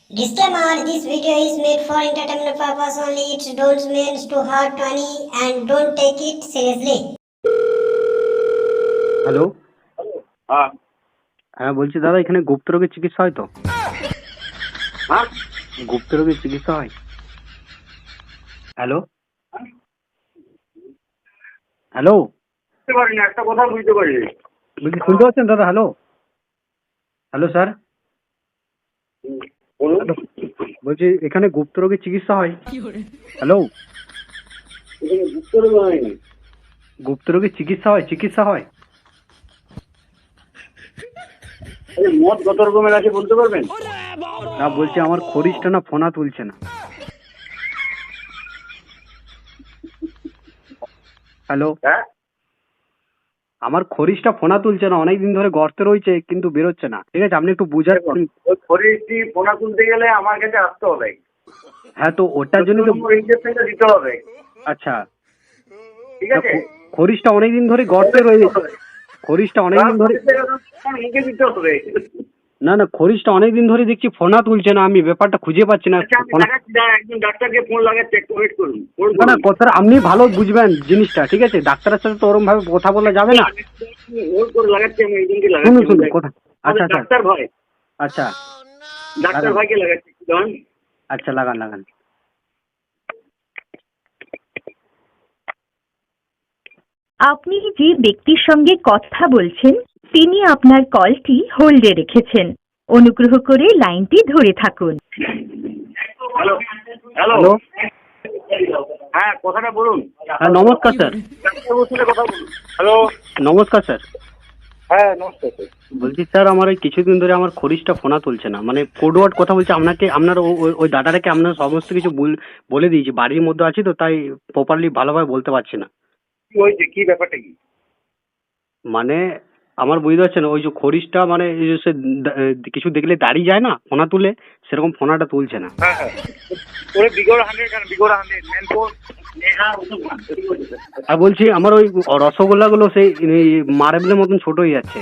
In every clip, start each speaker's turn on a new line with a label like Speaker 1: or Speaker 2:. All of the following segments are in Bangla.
Speaker 1: Disclaimer: this video is made for entertainment purpose only. It don't mean to hurt any and don't take it seriously.
Speaker 2: Hello,
Speaker 3: হ্যাঁ
Speaker 2: হ্যাঁ বলছি দাদা, এখানে গুপ্ত রোগের চিকিৎসা হয় তো?
Speaker 3: হ্যাঁ
Speaker 2: গুপ্ত রোগের চিকিৎসা হয়? হ্যালো হ্যালো,
Speaker 3: বুঝতে পারিনি, একটা কথা বুঝতে পারিনি।
Speaker 2: বলছি শুনতে পাচ্ছেন দাদা? হ্যালো হ্যালো স্যার,
Speaker 3: বলুন।
Speaker 2: হ্যালো, বলছি এখানে গুপ্ত রোগের চিকিৎসা হয়? হ্যালো,
Speaker 3: এখানে বুঝতে পারিনি।
Speaker 2: গুপ্ত রোগের চিকিৎসা হয়? চিকিৎসা হয়?
Speaker 3: আরে মদ কত রকমের আছে বলতে পারবেন?
Speaker 2: না, বলছি আমার খরিশটা না ফোনা তুলছে না। হ্যালো,
Speaker 3: হ্যাঁ,
Speaker 2: আমার খরিশটা ফোনা তুলছে না, অনেকদিন ধরে গর্তে রয়েছে কিন্তু বেরোচ্ছে না। ঠিক আছে, আপনি একটু বুঝার।
Speaker 3: ওই শরীরটি পোনা তুলতে গেলে আমার কাছে আসতে হবে।
Speaker 2: হ্যাঁ, তো ওটার জন্য তো।
Speaker 3: ইঞ্জেকশনটা দিতে হবে।
Speaker 2: আচ্ছা,
Speaker 3: ঠিক আছে,
Speaker 2: খরিশটা অনেকদিন ধরে গর্তে রয়েছে। খরিশটা অনেকদিন ধরে
Speaker 3: মুখে দিতে হবে।
Speaker 2: না না, খরিশটা অনেকদিন ধরে দেখছি ফোনা তুলছে না, আমি ব্যাপারটা খুঁজে পাচ্ছি না।
Speaker 3: আচ্ছা, আমি লাগাচ্ছি, একজন ডাক্তারকে ফোন লাগাচ্ছে, একটু ওয়েট করুন।
Speaker 2: না না, কথাটা আপনি ভালো বুঝবেন জিনিসটা, ঠিক আছে? ডাক্তারের সাথে তো ওরম ভাবে কথা বলা যাবে না।
Speaker 3: হোল্ড করে লাগাচ্ছি, আমি একজনকে
Speaker 2: শুনুন
Speaker 3: লাগাচ্ছি।
Speaker 2: শুনুন কথা। আচ্ছা আচ্ছা
Speaker 3: ডাক্তার ভাই,
Speaker 2: আচ্ছা
Speaker 3: ডাক্তার ভাইকে লাগাচ্ছি। দাঁড়ান।
Speaker 2: আচ্ছা, লাগান লাগান।
Speaker 4: আপনি যে ব্যক্তির সঙ্গে কথা বলছেন তিনি আপনার কলটি হোল্ডে রেখেছেন। অনুগ্রহ করে লাইনটি ধরে থাকুন।
Speaker 3: হ্যালো হ্যালো
Speaker 2: হ্যালো,
Speaker 3: হ্যাঁ, কথাটা বলুন।
Speaker 2: হ্যাঁ নমস্কার স্যার।
Speaker 3: ডাক্তারবাবুর সাথে কথা বলুন। হ্যালো,
Speaker 2: নমস্কার স্যার।
Speaker 3: হ্যাঁ নমস্কার স্যার।
Speaker 2: বলছি স্যার, আমার ওই কিছুদিন ধরে আমার খরিশটা ফোনা তুলছে না, মানে কোড ওয়ার্ড কথা বলছি আপনাকে। আপনার ওই দাদাটাকে আপনার সমস্ত কিছু বলে দিয়েছি, বাড়ির মধ্যে আছি তো তাই প্রপারলি ভালোভাবে বলতে পারছি না।
Speaker 3: কি হয়েছে, কি ব্যাপারটা কি?
Speaker 2: মানে আমার বুঝতে পারছেন, ওই যে খরিশটা মানে এই যে সে কিছু দেখলে দাঁড়িয়ে যায় না ফোনা তুলে, সেরকম ফোনাটা তুলছে না।
Speaker 3: হ্যাঁ হ্যাঁ, ওরে বিগড় 100 কেন, বিগড় 100 মেনপোর নেহা ওসব না।
Speaker 2: আর বলছি আমার ওই রসগোল্লাগুলো সেই মার্বেলের মতন ছোট হয়ে যাচ্ছে।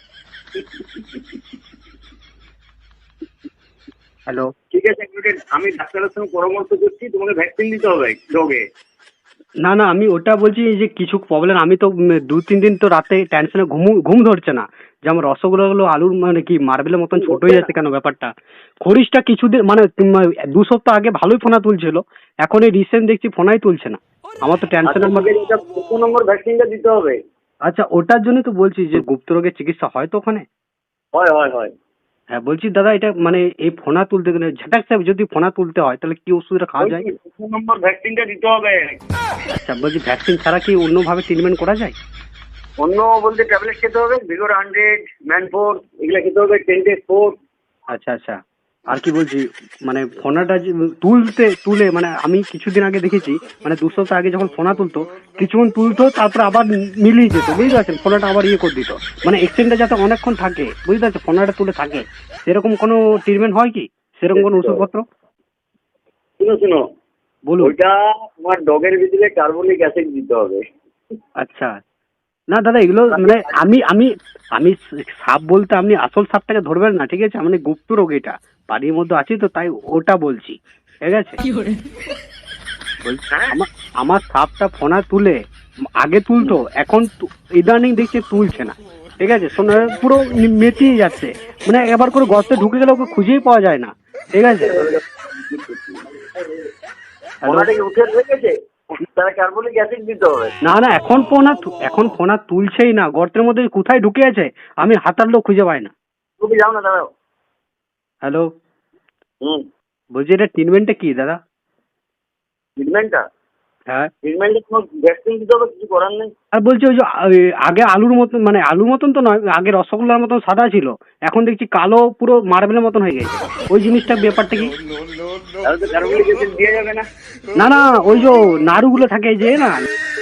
Speaker 2: হ্যালো,
Speaker 3: ঠিক আছে, এক মিনিট, আমি ডাক্তারের সঙ্গে পরামর্শ করছি, তোমাকে ভ্যাকসিন দিতে হবে ডগে।
Speaker 2: না না, আমি ওটা বলছি যে কিছু প্রবলেম, আমি তো 2-3 দিন তো রাতে টেনশনে ঘুম ধরছে না, যে আমার রসগোল্লাগুলো আলুর মানে কি মার্বেলের মতন ছোট হয়ে যাচ্ছে কেন ব্যাপারটা। খরিশটা কিছুদিন মানে 2 সপ্তাহ আগে ভালোই ফোনা তুলছিল, এখন এই রিসেন্ট দেখছি ফোনাই তুলছে না। আমার তো টেনশন।
Speaker 3: তোমাকে যেটা 2 নম্বর ভ্যাকসিনটা দিতে হবে।
Speaker 2: আচ্ছা, ওটার জন্যই তো বলছি যে গুপ্ত রোগের চিকিৎসা হয় তো ওখানে?
Speaker 3: হয় হয় হয়।
Speaker 2: হ্যাঁ, বলছি দাদা, এটা মানে এই ফোনা তুলতে গেলে ঝাটাক সাহেব যদি ফোনা তুলতে হয় তাহলে কি ওষুধটা খাওয়া যায়?
Speaker 3: 2 নম্বর ভ্যাকসিনটা দিতে হবে।
Speaker 2: আচ্ছা, বলছি ভ্যাকসিন ছাড়া কি অন্যভাবে ট্রিটমেন্ট করা যায়?
Speaker 3: অন্য বলতে ট্যাবলেট খেতে হবে, বিগড় 100 ম্যানফোর এগুলা খেতে হবে, 10 days 4।
Speaker 2: আচ্ছা আচ্ছা, আর কি বলছি, মানে ফোনাটা যে তুলে মানে আমি কিছুদিন আগে দেখেছি, মানে 2 সপ্তাহ আগে যখন ফোনা তুলতো কিছুক্ষণ তুলতো, তারপর আবার মিলিয়ে যেত, বুঝতে পারছেন? ফোনাটা আবার ইয়ে করে দিত, মানে এক্সটেন্ডটা যাতে অনেকক্ষণ থাকে, বুঝতে পারছেন? ফোনাটা তুলে থাকে, সেরকম কোনো ট্রিটমেন্ট হয় কি? সেরকম কোনো ওষুধপত্র?
Speaker 3: শুনো শুনো,
Speaker 2: বলুন।
Speaker 3: ওইটা তোমার ডগের ভিতরে কার্বনিক অ্যাসিড দিতে হবে।
Speaker 2: আচ্ছা, না দাদা, এগুলো মানে আমি আমি আমি সাপ বলতে আপনি আসল সাপটাকে ধরবেন না, ঠিক আছে? মানে গুপ্ত রোগ, এটা বাড়ির মধ্যে আছে তো তাই ওটা বলছি, ঠিক আছে? বলছি আমার সাপটা ফোনা তুলে আগে তুলতো, এখন ইদানিং দেখছি তুলছে না, ঠিক আছে? পুরো মেটিয়ে যাচ্ছে, মানে এবার করে গর্তে ঢুকে গেলে ওকে খুঁজেই পাওয়া যায় না, ঠিক আছে?
Speaker 3: ওনাটাকে উঠে রেখেছে, তারা কার্বনিক অ্যাসিড দিতে হবে।
Speaker 2: না না, এখন ফোনা তুলছেই না, গর্তের মধ্যে কোথায় ঢুকে আছে আমি হাতার লোক খুঁজে পাই না।
Speaker 3: তুমি যাও না, দাঁড়াও।
Speaker 2: হ্যালো,
Speaker 3: হুম,
Speaker 2: বলছি এটা ট্রিটমেন্টটা কি দাদা?
Speaker 3: ট্রিটমেন্টটা
Speaker 2: হ্যাঁ,
Speaker 3: ট্রিটমেন্টে তোমার ভ্যাকসিন দিতে হবে, কিছু করার নেই।
Speaker 2: আর বলছি ওই যে আগে আলুর মতন, মানে আলুর মতন তো নয়, আগে রসগোল্লার মতন সাদা ছিল, এখন দেখছি কালো পুরো মার্বেলের মতন হয়ে গেছে, ওই জিনিসটা ব্যাপারটা কি?
Speaker 3: তাহলে তো কার্বনিক অ্যাসিড দেওয়া যাবে না।
Speaker 2: না না, ওই যে নাড়ুগুলো থাকে যে না